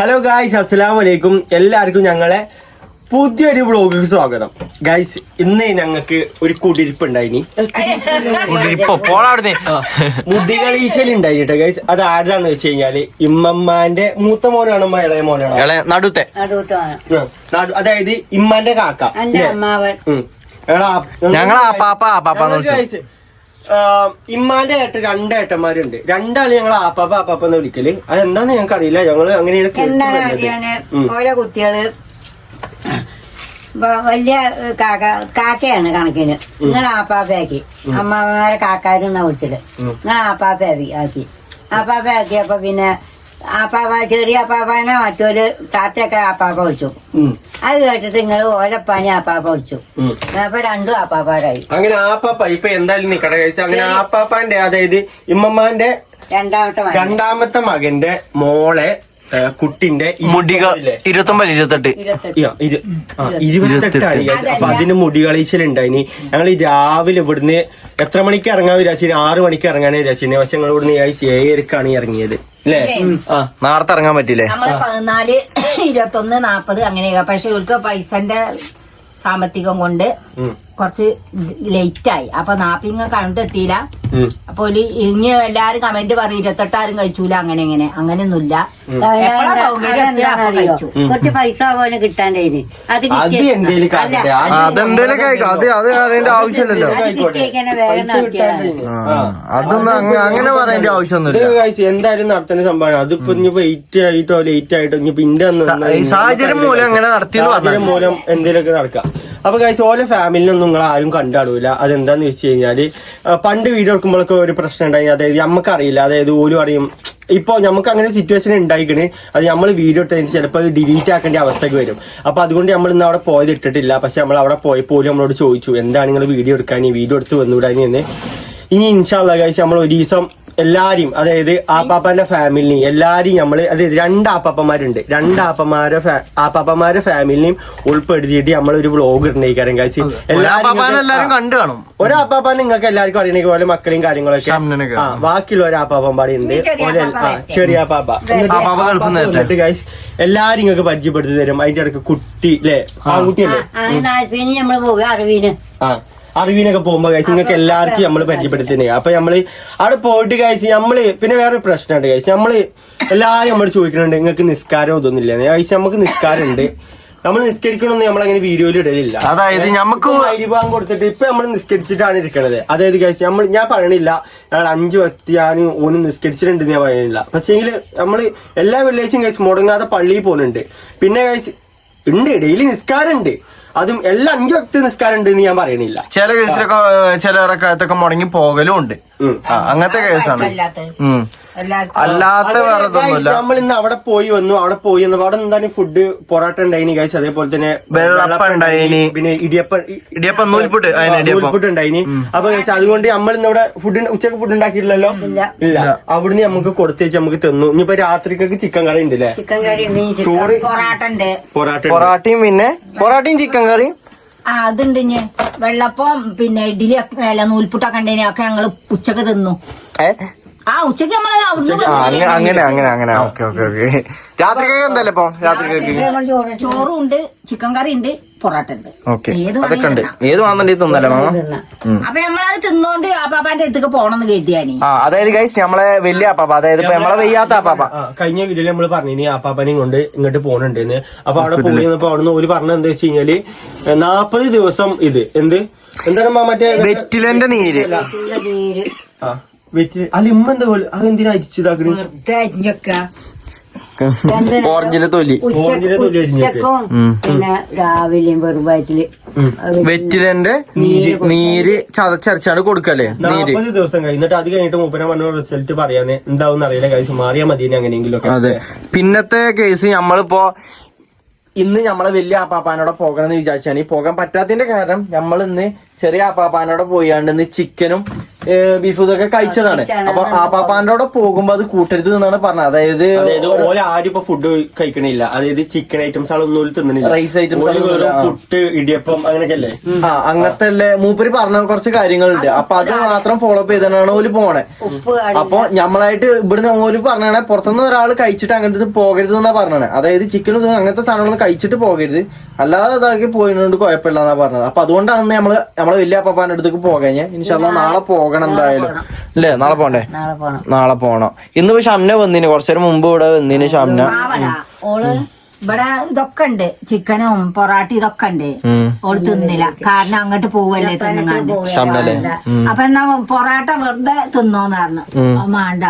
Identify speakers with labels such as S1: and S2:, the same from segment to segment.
S1: Hello guys, അസ്സലാമു അലൈക്കും. എല്ലാവർക്കും ഞങ്ങളെ പുതിയൊരു വ്ളോഗിക്ക് സ്വാഗതം. ഗായ്സ്, ഇന്ന് ഞങ്ങൾക്ക് ഒരു കുടിരിപ്പ് ഉണ്ടായിനി. മുടി കളീശലുണ്ടായി കേട്ടോ ഗായ്സ്. അത് ആരാന്ന് വെച്ച് കഴിഞ്ഞാല് ഇമ്മമ്മാന്റെ മൂത്ത മോനാണോ ഇളയ മോനാണോ?
S2: നടുത്തെ.
S1: അതായത് ഇമ്മാന്റെ കാക്ക. ഇമ്മാന്റെ രണ്ടേട്ടന്മാരുണ്ട്. രണ്ടാള് ഞങ്ങൾ ആപ്പാപ്പ എന്ന് വിളിക്കല്. അതെന്താന്ന് ഞങ്ങൾക്ക് അറിയില്ല. ഞങ്ങള് അങ്ങനെയാണ്.
S3: ഓരോ കുട്ടികള് വലിയ കാക്കയാണ് കണക്കിന്. നിങ്ങൾ ആപ്പാപ്പയാക്കി, അമ്മാമ്മമാരെ കാക്കാരെന്നാ വിളിച്ചത്. നിങ്ങൾ ആപ്പാപ്പയാക്കി ആപ്പാപ്പയാക്കിയപ്പോ പിന്നെ ആപ്പാപ്പ ചെറിയ ആപ്പാപ്പാനെ മറ്റൊരു താത്തയൊക്കെ ആപ്പാപ്പ വിളിച്ചു. അത് കേട്ടിട്ട് നിങ്ങൾ ഓലപ്പാനി ആപ്പാപ്പ വിളിച്ചു. അപ്പൊ രണ്ടും ആപ്പാപ്പാരായി.
S1: അങ്ങനെ ആപ്പാപ്പ ഇപ്പൊ എന്തായാലും നിക്കട കഴിച്ചു. അങ്ങനെ ആപ്പാപ്പാന്റെ അതായത് ഇമ്മമ്മാന്റെ രണ്ടാമത്തെ മകന്റെ മോളെ കുട്ടിന്റെ
S2: മുടികൾ 29-28
S1: 28 അപ്പൊ അതിന് മുടി കളീശലുണ്ടായിനി. ഞങ്ങൾ രാവിലെ ഇവിടുന്ന് എത്ര മണിക്ക് ഇറങ്ങാൻ വിചാരിച്ചു? 6 മണിക്ക് ഇറങ്ങാൻ വിചാരിച്ചു. പക്ഷെ ഞങ്ങൾ ഇവിടുന്ന് 7:00 ഇറങ്ങിയത് അല്ലേ?
S2: നേരത്തെ ഇറങ്ങാൻ പറ്റില്ലേ?
S3: 14, 21, 40 അങ്ങനെയൊക്കെ. പക്ഷെ ഇവർക്ക് പൈസന്റെ സാമ്പത്തികം കൊണ്ട് കുറച്ച് ലേറ്റായി. അപ്പൊ നാപ്പിങ്ങ കണ്ടെത്തിയില്ല. അപ്പൊ ഇനി എല്ലാരും കമന്റ് പറഞ്ഞു 28 കഴിച്ചൂല. അങ്ങനെയൊന്നുമില്ല. കുറച്ച് പൈസ പോലെ കിട്ടാണ്ടായിന്.
S2: ആവശ്യമില്ലല്ലോ. അതൊന്നും അങ്ങനെ പറയേണ്ട ആവശ്യമൊന്നുമില്ല.
S1: എന്തായാലും നടത്തേണ്ട സംഭവമാണ്. അതിപ്പോ ഇനി വെയിറ്റ് ആയിട്ടോ ലേറ്റ് ആയിട്ടോ ഇനി പിന്നെ
S2: സാഹചര്യം മൂലം അങ്ങനെ നടത്തിയെന്ന്
S1: മൂലം എന്തെങ്കിലുമൊക്കെ നടക്കാം. അപ്പൊ കഴിച്ച് ഓരോ ഫാമിലിനൊന്നും നിങ്ങൾ ആരും കണ്ടാടൂല. അതെന്താന്ന് വെച്ച് കഴിഞ്ഞാല് പണ്ട് വീഡിയോ എടുക്കുമ്പോഴൊക്കെ ഒരു പ്രശ്നം ഉണ്ടായി. അതായത് നമുക്കറിയില്ല. അതായത് ഓലും അറിയും. ഇപ്പൊ നമുക്ക് അങ്ങനെ സിറ്റുവേഷൻ ഉണ്ടായിക്കണ്. അത് നമ്മൾ വീഡിയോ ഇട്ടതിന് ചിലപ്പോൾ ഡിലീറ്റ് ആക്കേണ്ട അവസ്ഥയ്ക്ക് വരും. അപ്പൊ അതുകൊണ്ട് നമ്മൾ ഇന്ന് അവിടെ പോയത് ഇട്ടിട്ടില്ല. പക്ഷെ നമ്മൾ അവിടെ പോയപ്പോൾ നമ്മളോട് ചോദിച്ചു എന്താണ് നിങ്ങൾ വീഡിയോ എടുക്കാൻ, വീഡിയോ എടുത്ത് വന്നുകൂടാനി എന്ന്. ഇനി ഇൻഷാ അല്ലാഹ് കഴിച്ച് നമ്മൾ ഒരു ദിവസം എല്ലാരെയും, അതായത് ആപ്പാപ്പാന്റെ ഫാമിലിനെയും എല്ലാരെയും നമ്മള്, അതായത് 2 ആപ്പാപ്പന്മാരുണ്ട്. 2 ആപ്പാപ്പന്മാരുടെ ഫാമിലിനെയും ഉൾപ്പെടുത്തിയിട്ട് നമ്മളൊരു വ്ളോഗ് ഇടണേക്കാരം കഴിച്ച്.
S2: എല്ലാരും കണ്ടു കാണും.
S1: ഒരാപ്പാപ്പാൻ നിങ്ങൾക്ക് എല്ലാവർക്കും അറിയണ പോലെ മക്കളെയും കാര്യങ്ങളൊക്കെ. ബാക്കിയുള്ള ഒരാപ്പാപ്പൻ പാടി ഉണ്ട്. ചെറിയ ആപ്പാപ്പ. എന്നിട്ട് കഴിച്ച് എല്ലാരും നിങ്ങൾക്ക് പരിചയപ്പെടുത്തി തരും. അതിന്റെ ഇടയ്ക്ക് കുട്ടി അല്ലേ, ആൺകുട്ടിയല്ലേ, അറിവിനൊക്കെ പോകുമ്പോ കഴിച്ച് നിങ്ങൾക്ക് എല്ലാവർക്കും നമ്മള് പരിചയപ്പെടുത്തുന്നേ. അപ്പൊ നമ്മള് അവിടെ പോയിട്ട് കഴിച്ച് നമ്മള് പിന്നെ വേറൊരു പ്രശ്നമുണ്ട് കഴിച്ച്. നമ്മള് എല്ലാരും നമ്മൾ ചോദിക്കുന്നുണ്ട് നിങ്ങൾക്ക് നിസ്കാരം ഇതൊന്നുമില്ല കഴിച്ച്. നമുക്ക് നിസ്കാരം ഉണ്ട്. നമ്മൾ നിസ്കരിക്കണമെന്ന് നമ്മളങ്ങനെ വീഡിയോയിൽ ഇടലില്ല.
S2: അതായത് നമുക്ക്
S1: അരിഭാഗം കൊടുത്തിട്ട് ഇപ്പൊ നമ്മൾ നിസ്കരിച്ചിട്ടാണ് ഇരിക്കണത്. അതായത് കഴിച്ച് ഞാൻ പറയണില്ല ഞങ്ങൾ 5 വക്ത് ഞാൻ ഓന് നിസ്കരിച്ചിട്ടുണ്ടെന്ന് ഞാൻ പറയണില്ല. പക്ഷേങ്കില് നമ്മള് എല്ലാ വെള്ളിയാഴ്ചയും കഴിച്ച് മുടങ്ങാതെ പള്ളിയിൽ പോകുന്നുണ്ട്. പിന്നെ കഴിച്ച് ഉണ്ട്, ഡെയിലി നിസ്കാരം ഉണ്ട്. അതും എല്ലാ 5 വക്ത് നിസ്കാരം ഉണ്ട് എന്ന് ഞാൻ പറയണില്ല.
S2: ചില കേസിലൊക്കെ ചിലരൊക്കെ മുടങ്ങി പോകലും ഉണ്ട്. അങ്ങനത്തെ കേസാണ്. അല്ലാത്ത
S1: നമ്മൾ ഇന്ന് അവിടെ പോയി വന്നു. അവിടെ എന്താണ് ഫുഡ് പൊറോട്ട ഉണ്ടായിനി കഴിച്ച്. അതേപോലെ തന്നെ
S2: വെള്ളപ്പം ഉണ്ടായിനി, പിന്നെ ഇടിയപ്പം നൂൽപുട്ട്
S1: ഉണ്ടായിനി. അപ്പൊ കഴിച്ചാൽ അതുകൊണ്ട് നമ്മൾ ഇന്ന് ഇവിടെ ഉച്ചക്ക് ഫുഡ് ഉണ്ടാക്കിയിട്ടില്ലല്ലോ. ഇല്ല. അവിടുന്ന് നമുക്ക് കൊടുത്തു വെച്ച് നമുക്ക് തന്നു. ഇനിയിപ്പോ രാത്രിക്കൊക്കെ ചിക്കൻ കറി ഉണ്ട് അല്ലേ? ചോറ്,
S2: പൊറാട്ടയും പിന്നെ പൊറാട്ടയും ചിക്കൻ കറിയും
S3: അതുണ്ട്. വെള്ളപ്പം പിന്നെ ഇഡ്ഡലി നൂൽപുട്ടൊക്കെ ഉണ്ടേനെ ഒക്കെ ഞങ്ങള് ഉച്ചക്ക് തിന്നു. ഉച്ചക്ക് നമ്മള്
S2: അങ്ങനെ ഓക്കെ. രാത്രിക്കൊക്കെ എന്തായാലും ഇപ്പൊ രാത്രിക്കൊക്കെ
S3: ചോറും ഉണ്ട്, ചിക്കൻ കറി ഉണ്ട്, പൊറോട്ട ഉണ്ട്.
S2: അതൊക്കെ ഉണ്ട്. ഏത് വേണമെന്നുണ്ടെങ്കിൽ തിന്നല്ലേ മാമ?
S3: അപ്പൊ നമ്മളത് തിന്നോണ്ട് ആപ്പാപ്പാന്റെ അടുത്തേക്ക് പോണെന്ന് കരുതിയാനി.
S2: അതായത് ഗൈസ് നമ്മളെ വലിയ ആപ്പാപ്പ, അതായത് ഇപ്പൊ നമ്മളെ വയ്യാത്ത ആപ്പാപ്പ
S1: കഴിഞ്ഞ വീഡിയോയിൽ നമ്മള് പറഞ്ഞു ആപ്പാപ്പനെയും കൊണ്ട് ഇങ്ങോട്ട് പോകണുണ്ടെന്ന്. അപ്പൊ അവിടെ പോയി വന്നപ്പോ അവിടുന്ന് ഒരു പറഞ്ഞത് എന്താ വെച്ച് കഴിഞ്ഞാല് 40 ദിവസം ഇത് എന്താണ് മറ്റേ
S2: വെറ്റിലന്റെ നീര്.
S1: അല്ല ഇമ്മ എന്താ പോലെ അതെന്തിനാ അരിച്ചതാക്കണ?
S2: ഓറഞ്ചിലെ തൊലി
S3: പിന്നെ രാവിലെയും വെറുവായിട്ടില്
S2: വെറ്റിലന്റെ നീര് ചതച്ചരച്ചാണ് കൊടുക്കല്ലേ.
S1: 40 ദിവസം കഴിഞ്ഞിട്ട് അത് കഴിഞ്ഞിട്ട് മൂപ്പന പറഞ്ഞ റിസൾട്ട് പറയാന് എന്താവും അറിയില്ല. കഴിച്ച് മാറിയാൽ മതി എങ്ങനെയെങ്കിലും.
S2: അതെ. പിന്നത്തെ കേസ് നമ്മളിപ്പോ ഇന്ന് നമ്മളെ വലിയ ആപ്പാപ്പാനോടെ പോകണമെന്ന് വിചാരിച്ചാണ്. പോകാൻ പറ്റാത്തതിന്റെ കാരണം നമ്മൾ ഇന്ന് ചെറിയ ആപ്പാപ്പാനോടെ പോയാണ്ട് ചിക്കനും ബീഫും ഇതൊക്കെ കഴിച്ചതാണ്. അപ്പൊ ആപ്പാപ്പാനോടെ പോകുമ്പോ അത് കൂട്ടരുത് എന്നാണ് പറഞ്ഞത്.
S1: അതായത് ഓല ആരും ഇപ്പൊ ഫുഡ് കഴിക്കണില്ല, അതായത് ചിക്കൻ ഐറ്റംസ് ആളൊന്നും തിന്നണില്ല,
S2: റൈസ് ഐറ്റംസ്,
S1: പുട്ട്, ഇടിയപ്പം അങ്ങനെയൊക്കെ അല്ലേ.
S2: അങ്ങനത്തെ അല്ലേ മൂപ്പര് പറഞ്ഞ കുറച്ച് കാര്യങ്ങളുണ്ട്. അപ്പൊ അത് മാത്രം ഫോളോ അപ്പ് ചെയ്താണ് ഓല് പോണേ. അപ്പൊ നമ്മളായിട്ട് ഇവിടുന്ന് ഓല് പറഞ്ഞാണെ പുറത്തുനിന്ന് ഒരാൾ കഴിച്ചിട്ട് അങ്ങനത്തെ പോകരുത് എന്നാ പറഞ്ഞത്. അതായത് ചിക്കനും അങ്ങനത്തെ സാധനങ്ങളൊന്നും കഴിച്ചിട്ട് പോകരുത്, അല്ലാതെ അതാക്കി പോയതുകൊണ്ട് കുഴപ്പമില്ല എന്നാ പറഞ്ഞത്. അപ്പൊ അതുകൊണ്ടാണ് നമ്മളെ വലിയ അപ്പാപ്പാന്റെ അടുത്തേക്ക് പോകാൻ. ഇൻഷാല്ലാ നാളെ പോകണം എന്തായാലും അല്ലേ? നാളെ പോണ്ടേ? നാളെ പോണം. ഇന്നിപ്പോ ഷംന വന്നിന്, കുറച്ചേരം മുമ്പ് ഇവിടെ വന്നിന് ഷംന.
S3: ഓള് ഇവിടെ ഇതൊക്കെ ഉണ്ട്, ചിക്കനും പൊറാട്ടി ഇതൊക്കെ ഉണ്ട്. ഓള് തിന്നില്ല, കാരണം അങ്ങോട്ട് പോവല്ലേ തിന്നുങ്ങാണ്ട്.
S2: ഷംനല്ലേ?
S3: അപ്പൊ എന്നാ പൊറാട്ട വെറുതെ തിന്നോന്ന് പറഞ്ഞു, മാണ്ട.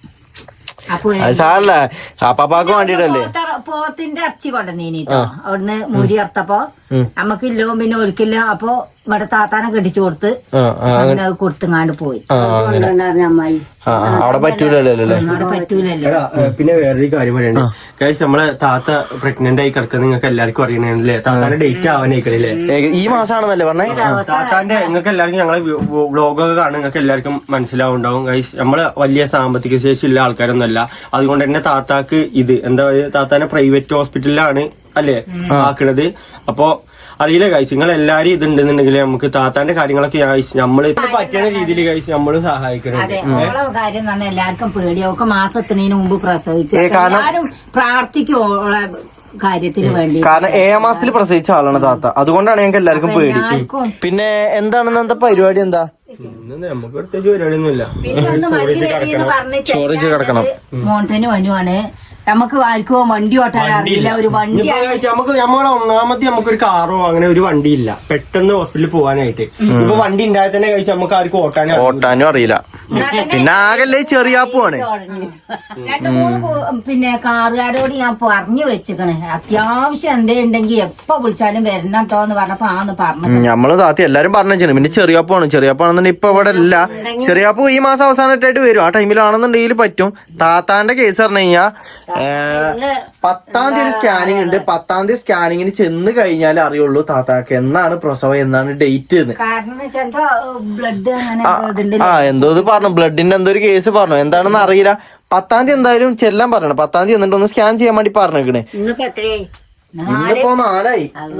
S3: അപ്പൊ
S2: സാറല്ല അപ്പാപ്പാക്ക് വേണ്ടിട്ടല്ലേ
S3: പോത്തിന്റെ ഇറച്ചി കൊണ്ടുവന്നീനിട്ടോ. അവിടുന്ന് മുരി അറുത്തപ്പോ നമ്മക്കില്ലോ പിന്നെ ഒരിക്കല്ലോ. അപ്പൊ ഇവിടെ താത്താനെ കെട്ടിച്ചു കൊടുത്ത് കൊടുത്തുങ്ങാണ്ട് പോയി. അമ്മായി
S2: അവിടെ പറ്റൂലല്ലോ.
S3: അവിടെ പറ്റൂലല്ലോ.
S1: പിന്നെ വേറൊരു കാര്യം പറയണ്ടേ ഗൈസ്, നമ്മളെ താത്ത പ്രഗ്നന്റ് ആയി കിടക്കുന്ന നിങ്ങൾക്ക് എല്ലാവർക്കും അറിയണല്ലേ? താത്താന്റെ ഡേറ്റ് ആവാനായിക്കണില്ലേ?
S2: ഈ മാസമാണെന്നല്ലേ പറഞ്ഞേ?
S1: താത്താന്റെ നിങ്ങൾക്ക് എല്ലാവർക്കും ഞങ്ങളെ വ്ലോഗൊക്കെ കാണും, നിങ്ങൾക്ക് എല്ലാവർക്കും മനസ്സിലാവുണ്ടാവും ഗൈസ്. നമ്മള് വലിയ സാമ്പത്തിക ശേഷി ഉള്ള ആൾക്കാരൊന്നുമല്ല. അതുകൊണ്ട് തന്നെ താത്താക്ക് ഇത് എന്താ പറയുക, താത്താനെ പ്രൈവറ്റ് ഹോസ്പിറ്റലിലാണ് അല്ലേ ആക്കണത്. അപ്പൊ അറിയില്ല ഗൈസ്, നിങ്ങൾ എല്ലാരും ഇതുണ്ടെന്നുണ്ടെങ്കിൽ നമുക്ക് താത്താന്റെ കാര്യങ്ങളൊക്കെ നമ്മള് പറ്റുന്ന രീതിയിൽ ഗൈസ് നമ്മള് സഹായിക്കണം.
S3: അതെ, ഓളെ കാര്യം തന്നെ എല്ലാവർക്കും പേടിയൊക്കെ മാസത്തിനു മുമ്പ് പ്രസവിച്ചു. എല്ലാരും പ്രാർത്ഥിക്കും ഓളെ കാര്യത്തിന് വേണ്ടി.
S2: കാരണം 7 മാസത്തിൽ പ്രസവിച്ച ആളാണ് താത്ത, അതുകൊണ്ടാണ് ഞങ്ങൾക്ക് എല്ലാവർക്കും പേടി. പിന്നെ എന്താണെന്ന് എന്താ പരിപാടി? എന്താ
S1: നമുക്ക് പ്രത്യേകിച്ച് പരിപാടിയൊന്നുമില്ല.
S3: പിന്നെ ഒന്ന് വണ്ടി വരിയെന്ന് പറഞ്ഞ്
S2: കിടക്കണം.
S3: മോണ്ടന് വനുവാണ്. നമുക്ക് ആർക്കോ വണ്ടി ഓട്ടാൻ അറിയില്ല. ഒരു വണ്ടി
S1: നമുക്ക് നമ്മളെ ഒന്നാമത്തെ നമുക്കൊരു കാറോ അങ്ങനെ ഒരു വണ്ടി ഇല്ല പെട്ടെന്ന് ഹോസ്പിറ്റലിൽ പോകാനായിട്ട്. ഇപ്പൊ വണ്ടി ഉണ്ടായാൽ തന്നെ കഴിച്ച് നമുക്ക് ആർക്കും ഓട്ടാനും അറിയില്ല.
S2: പിന്നെ ആകല്ലേ ചെറിയാപ്പുവാണ്.
S3: 2-3 പിന്നെ കാറുകാരോട് ഞാൻ പറഞ്ഞു വെച്ചിക്കണേ, അത്യാവശ്യം എന്തേ ഉണ്ടെങ്കിൽ എപ്പോ വിളിച്ചാലും വരണം കേട്ടോ എന്ന് പറഞ്ഞപ്പോ ആന്ന് പറഞ്ഞു.
S2: നമ്മള് താത്തി എല്ലാരും പറഞ്ഞു. പിന്നെ ചെറിയാപ്പാണെന്നുണ്ടെങ്കിൽ ഇപ്പൊ ഇവിടെ ഇല്ല. ചെറിയാപ്പു ഈ മാസം അവസാനമായിട്ട് വരും. ആ ടൈമിലാണെന്നുണ്ടെങ്കിൽ പറ്റും. താത്താന്റെ കേസ് പറഞ്ഞു കഴിഞ്ഞാൽ 10-ാം തീയതി സ്കാനിങ് ഉണ്ട്. 10-ാം തീയതി സ്കാനിങ്ങിന് ചെന്ന് കഴിഞ്ഞാൽ അറിയുള്ളൂ താത്താക്ക് എന്നാണ് പ്രസവം, എന്നാണ് ഡേറ്റ്. എന്തോ ഇത് പറഞ്ഞു, ബ്ലഡിന്റെ എന്തോ ഒരു കേസ് പറഞ്ഞു, എന്താണെന്ന് അറിയില്ല. 10-ാം തീയതി എന്തായാലും ചെല്ലാൻ പറയണം. 10-ാം തീയതി എന്നിട്ട് ഒന്ന് സ്കാൻ ചെയ്യാൻ വേണ്ടി പറഞ്ഞേക്കണേ. ഇന്നിപ്പോ 4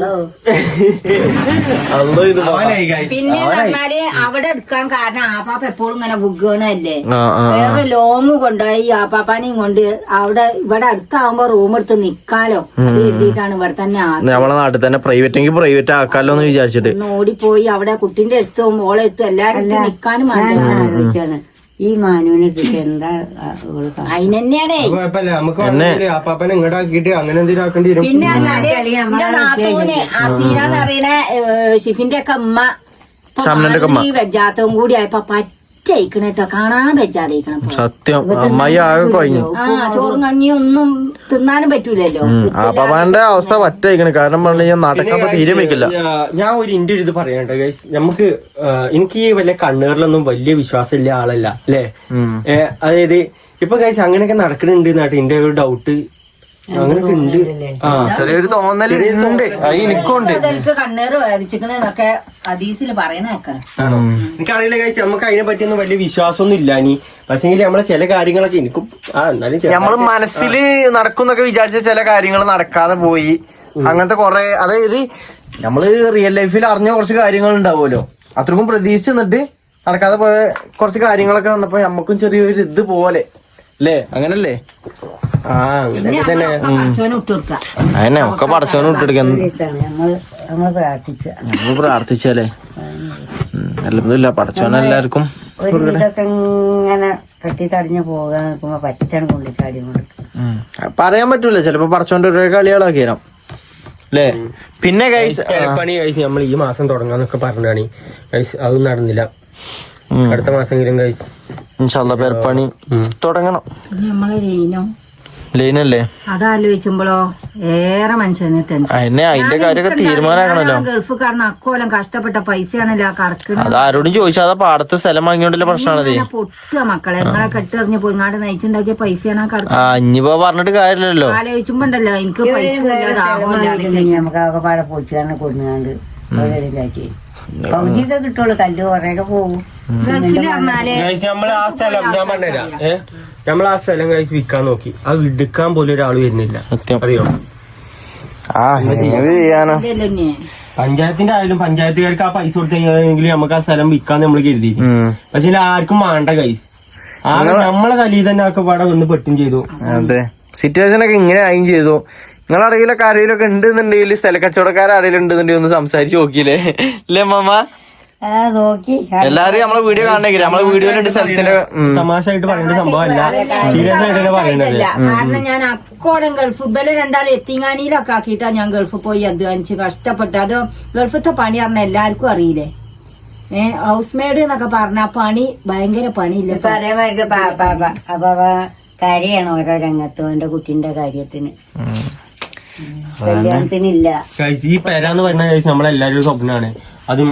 S3: പിന്നെ പറഞ്ഞാല് അവിടെ എടുക്കാൻ കാരണം ആപ്പാപ്പ എപ്പോഴും ഇങ്ങനെ ബുഗണല്ലേ, വേറെ ലോങ് കൊണ്ടുപോയി ആപ്പാപ്പാനെയും കൊണ്ട് ഇവിടെ അടുത്താവുമ്പോ റൂം എടുത്ത് നിക്കാലോ എഴുതിയിട്ടാണ് ഇവിടെ തന്നെ
S2: നമ്മളെ നാട്ടിൽ തന്നെ പ്രൈവറ്റ് ആക്കാലോ എന്ന് വിചാരിച്ചിട്ട്
S3: ഓടിപ്പോയി അവിടെ കുട്ടിന്റെ എത്തും ഓളെ എത്തും എല്ലാരും നിക്കാനും ആലോചിച്ചാണ്. ഈ മാനുവിനെ എന്താ അതിനെന്നെയാണേ
S1: ആപ്പാപ്പനെ ഇങ്ങോട്ടാക്കിട്ട് അങ്ങനെ എന്തെങ്കിലും ആക്കേണ്ടി വരും.
S3: പിന്നെ നാത്തൂന് അസീനാന്ന് പറയണ ഷിഫിന്റെ ഒക്കെ അമ്മ ഈ വെജാത്തവും കൂടി ആയപ്പോ പറ്റയിക്കണേട്ടോ, കാണാൻ വെജാതയിക്കണം.
S2: സത്യം അമ്മായി ആകെ കഴിഞ്ഞു.
S3: ചോറും കഞ്ഞിയും ഒന്നും തിന്നാനും പറ്റൂലല്ലോ.
S2: ആപ്പാപ്പാന്റെ അവസ്ഥ പറ്റയിക്കണേ. കാരണം പറഞ്ഞു നാട്ടൊക്കെ തീരെ വെക്കില്ല.
S1: ഞാൻ ഒരു ഇന്ത്യ ഇത് പറയട്ടെ ഗൈസ്, നമുക്ക് എനിക്ക് ഈ വലിയ കണ്ണുകളിലൊന്നും വലിയ വിശ്വാസമില്ല ആളല്ല അല്ലേ. അതായത് ഇപ്പൊ ഗൈസ് അങ്ങനെയൊക്കെ നടക്കുന്നുണ്ട് നാട്ടിൽ. എന്റെ ഒരു ഡൗട്ട് അങ്ങനൊക്കെ ഉണ്ട്.
S2: ചെറിയൊരു തോന്നലുണ്ട്, എനിക്കുണ്ട്.
S3: കണ്ണേറ് വേദിച്ചിക്കണെന്നൊക്കെ ഹദീസിൽ പറയണേക്കാം.
S1: എനിക്കറിയില്ല കഴിച്ച് നമുക്ക് അതിനെ പറ്റിയൊന്നും വലിയ വിശ്വാസമൊന്നും ഇല്ല. ഇനി പക്ഷേ നമ്മളെ ചില കാര്യങ്ങളൊക്കെ എനിക്കും
S2: നമ്മള് മനസ്സിൽ നടക്കുന്നൊക്കെ വിചാരിച്ച ചില കാര്യങ്ങൾ നടക്കാതെ പോയി. അങ്ങനത്തെ കുറെ, അതായത് നമ്മള് റിയൽ ലൈഫിൽ അറിഞ്ഞ കുറച്ച് കാര്യങ്ങൾ ഉണ്ടാവുമല്ലോ, അത്രക്കും പ്രതീക്ഷിച്ച് നിന്നിട്ട് നടക്കാതെ പോയ കുറച്ച് കാര്യങ്ങളൊക്കെ വന്നപ്പോ നമുക്കും ചെറിയൊരു ഇത് പോലെ അല്ലേ? അങ്ങനല്ലേ? അങ്ങനെ തന്നെ അതന്നെ ഒക്കെ പടച്ചോനെ വിട്ടെടുക്കാൻ നമ്മള് പ്രാർത്ഥിച്ചാലേ അല്ല പടച്ചോനെ എല്ലാവർക്കും
S3: ഇങ്ങനെ കെട്ടിത്തടിഞ്ഞ് പോകാൻ നിൽക്കുമ്പോ പറ്റാണ് കൊണ്ടിച്ചാടി
S2: പറയാൻ പറ്റൂല. ചിലപ്പോ പടച്ചോന്റെ ഓരോ കളികളൊക്കെ തരാം അല്ലേ. പിന്നെ
S1: പണി കഴിച്ച് നമ്മൾ ഈ മാസം തുടങ്ങാന്നൊക്കെ പറഞ്ഞാണ് കഴിച്ച്, അതൊന്നും നടന്നില്ല. അടുത്ത മാസമെങ്കിലും കഴിച്ച്
S2: ഇൻഷാല്ലാ പെരപ്പണി തുടങ്ങണം. ലൈനല്ലേ
S3: അതാലോചിക്കുമ്പോഴോ ഏറെ മനുഷ്യന് ടെൻഷൻ.
S2: അതിന്റെ കാര്യമൊക്കെ തീരുമാനമാക്കണല്ലോ.
S3: ഗൾഫുകാരന് അക്കോലം കഷ്ടപ്പെട്ട പൈസയാണല്ലോ കറക്കുന്നത്.
S2: അത് ആരോടും ചോദിച്ചാൽ പാടത്ത് സ്ഥലം വാങ്ങിയോണ്ടല്ലേ പ്രശ്നമാണത്.
S3: പൊട്ടുക മക്കളെ നിങ്ങളെ കെട്ടെറിഞ്ഞ് പോയി ഇങ്ങാട് നയിച്ചുണ്ടാക്കിയ പൈസയാണ്
S2: ഇനിയിപ്പോ പറഞ്ഞിട്ട് കാര്യമില്ലല്ലോ.
S3: ആലോചിക്കുമ്പോണ്ടല്ലോ എനിക്ക് പൈസ നമുക്ക് ആകെ പാടെ പൊളിച്ചാണ് കൊടുങ്ങാണ്ട് ഓരോരിതാക്കി പകുതിയൊക്കെ കിട്ടുള്ളൂ, കല്ല് കുറേയൊക്കെ പോകും.
S4: ഗൾഫിൽ പറഞ്ഞാല്
S1: നമ്മൾ ആ സ്ഥലം ഞാൻ പറഞ്ഞുതരാം. നമ്മൾ ആ സ്ഥലം കഴിച്ച് വിൽക്കാൻ നോക്കി, അത് എടുക്കാൻ പോലും ഒരാൾ വരുന്നില്ല. അറിയോ?
S2: ചെയ്യാനോ
S3: ഇതല്ലേ
S1: പഞ്ചായത്തിന്റെ ആയാലും പഞ്ചായത്തുകാർക്ക് ആ പൈസ കൊടുത്തെങ്കിൽ നമുക്ക് ആ സ്ഥലം വിൽക്കാൻ നമ്മൾ കരുതി. പക്ഷെ ആർക്കും വേണ്ട കൈസ്. നമ്മളെ തലയിൽ തന്നെ ഒക്കെ പാടെ വന്ന് പെട്ടും ചെയ്തു.
S2: അതെ, സിറ്റുവേഷൻ ഒക്കെ ഇങ്ങനെ ആയും ചെയ്തു. നിങ്ങളറിയിലൊക്കെ ആരെങ്കിലൊക്കെ ഉണ്ടെന്നുണ്ടെങ്കിൽ സ്ഥല കച്ചവടക്കാരെങ്കിലും ഉണ്ടെന്നുണ്ടെങ്കിൽ ഒന്ന് സംസാരിച്ച് നോക്കിയില്ലേ അല്ലേ അമ്മ?
S3: നോക്കി
S2: എല്ലാരും നമ്മളെ വീഡിയോ കാണണമെങ്കിൽ നമ്മളെ വീഡിയോയിലുണ്ട് സ്ഥലത്തിന്റെ
S1: തമാശയായിട്ട് പറയേണ്ട സംഭവമല്ല, സീരിയസ് ആയിട്ട് പറയേണ്ടത്.
S4: കാരണം ഞാൻ അക്കോടം ഗൾഫ് ഇബലെ രണ്ടാളും എത്തിങ്ങാനിയിലൊക്കെ ആക്കിയിട്ടാ ഞാൻ ഗൾഫ് പോയി അധ്വാനിച്ച് കഷ്ടപ്പെട്ട്. അത് ഗൾഫത്തെ പണി പറഞ്ഞ എല്ലാവർക്കും അറിയില്ലേ. ഹൗസ് മെയ്ഡ് എന്നൊക്കെ പറഞ്ഞ പണി ഭയങ്കര പണിയില്ല.
S3: ഇപ്പൊ അതേമാതിരി അപ്പൊ കാര്യമാണ് ഓരോ രംഗത്തും എന്റെ കുട്ടീന്റെ കാര്യത്തിന്. കല്യാണത്തിനില്ല.
S1: ഈ പെരാന്ന് പറഞ്ഞ നമ്മളെല്ലാരും സ്വപ്നമാണ്. അതും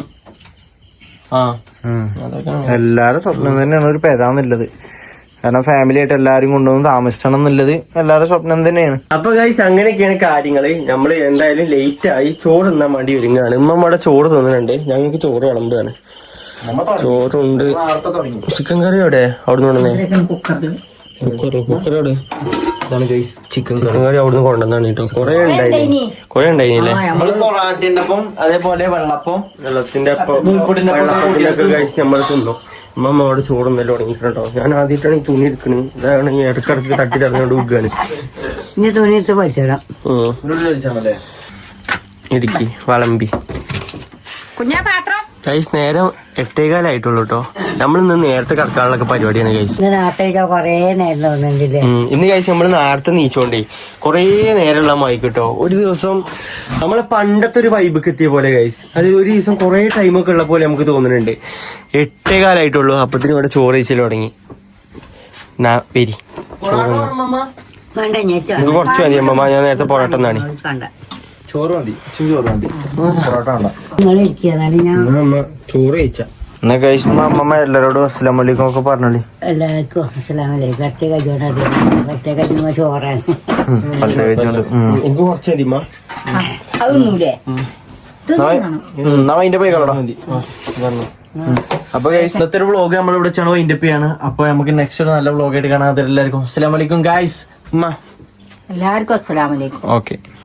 S2: എല്ലാരും സ്വപ്നം തന്നെയാണ് ഒരു പെരാന്നുള്ളത്. കാരണം ഫാമിലി ആയിട്ട് എല്ലാരും കൊണ്ടുവന്ന് താമസിക്കണം എന്നുള്ളത് എല്ലാവരുടെ സ്വപ്നം തന്നെയാണ്.
S1: അപ്പൊ ഗൈസ് അങ്ങനെയൊക്കെയാണ് കാര്യങ്ങള്. നമ്മള് എന്തായാലും ലേറ്റ് ആയി ചോറ് തിന്നാൻ വേണ്ടി ഒരുങ്ങാണ്. ഉമ്മമ്മയുടെ ചോറ് തിന്നുന്നുണ്ട്, ഞങ്ങൾക്ക് ചോറ് വിളമ്പാണ്. ചോറുണ്ട്. ചിക്കൻ കറി എവിടെ അവിടുന്ന് കൊണ്ടുവന്നേ? കുക്കറോട് ഇതാണ് ഗൈസ് ചിക്കൻ കറി അവിടുന്ന് കൊണ്ടുവന്നാണ് കേട്ടോ. കൊറേ ഉണ്ടായില്ലേ
S2: നമ്മള് പൊറാട്ടയുടെ ഒപ്പം അതേപോലെ വെള്ളപ്പം
S1: വെള്ളത്തിന്റെ വെള്ളപ്പത്തിനൊക്കെ കഴിച്ച് നമ്മൾ തിന്നു. അമ്മ അവിടെ ചോറുന്നല്ലോ തുടങ്ങിയിട്ടുണ്ടോ. ഞാൻ ആദ്യമായിട്ടാണ് ഈ തുണി എടുക്കണത്. ഇതാണ് ഈ ഇടക്കിടക്ക് തട്ടി തറഞ്ഞോണ്ട് ഉഗ്ഗാണ്.
S3: ഇനി തുണിയിട്ട് പഠിച്ചിടാം.
S1: ഇടുക്കി വളമ്പി
S4: കുഞ്ഞാ പാത്രം
S1: ഗൈസ് നേരം 8:15 കേട്ടോ. നമ്മളിന്ന് നേരത്തെ കടക്കാനുള്ള പരിപാടിയാണ് ഗൈസ്.
S3: ഇന്ന് നാട്ടേക്ക് കൊറേ നേരം തോന്നുന്നുണ്ടല്ലേ.
S1: ഇന്ന് കഴിച്ച് നമ്മള് നേരത്തെ നീച്ചോണ്ടേ കൊറേ നേരമുള്ള മൈക്ക് കേട്ടോ. ഒരു ദിവസം നമ്മളെ പണ്ടത്തെ ഒരു വൈബൊക്കെ എത്തിയ പോലെ ഗൈസ്. അത് ഒരു ദിവസം കൊറേ ടൈമൊക്കെ ഉള്ള പോലെ നമുക്ക് തോന്നുന്നുണ്ട്. 8:15 അപ്പത്തിന് ഇവിടെ ചോറ് കഴിച്ചിൽ തുടങ്ങി. വരി
S3: വേണ്ട
S1: ഇത് കുറച്ച് മതി അമ്മ. ഞാൻ നേരത്തെ പൊറോട്ട എന്നാണ്.
S3: വേണ്ട
S2: ചോറ് മതി, ചോറ് മതി, പൊറോട്ട വേണ്ട.
S3: നിങ്ങൾ ഇരിക്കുന്നതാണ് ഞാൻ
S1: അമ്മ ചോറ് കഴിച്ച
S2: എന്നാ കഴിച്ചുമ്പോ അമ്മമ്മ എല്ലാരോടും അസ്സലാമു അലൈക്കും ഒക്കെ പറഞ്ഞോളി.
S3: എല്ലാവർക്കും അസ്സലാമലൈക്കും. കറ്റ കഴിച്ചോണ്ട് കറ്റ കഴിച്ചുമ്പോ ചോറാണ്.
S1: എനിക്ക് കുറച്ച് മതി അമ്മ.
S4: അതൊന്നുമില്ലേ
S2: എന്നാ അതിന്റെ പോയി കളടാ. അപ്പൊ ഇന്നത്തെ ഒരു വ്ളോഗ് നമ്മൾ ഇവിടെ വെച്ചാണ് അതിന്റെ ആണ്. അപ്പൊ നമുക്ക് നെക്സ്റ്റ് ഒരു നല്ല വ്ളോഗ് ആയിട്ട് കാണാം. എല്ലാവർക്കും അസ്സലാമു അലൈക്കും ഗൈസ്.
S4: എല്ലാവർക്കും അസ്സലാമലൈക്കും.
S2: ഓക്കെ.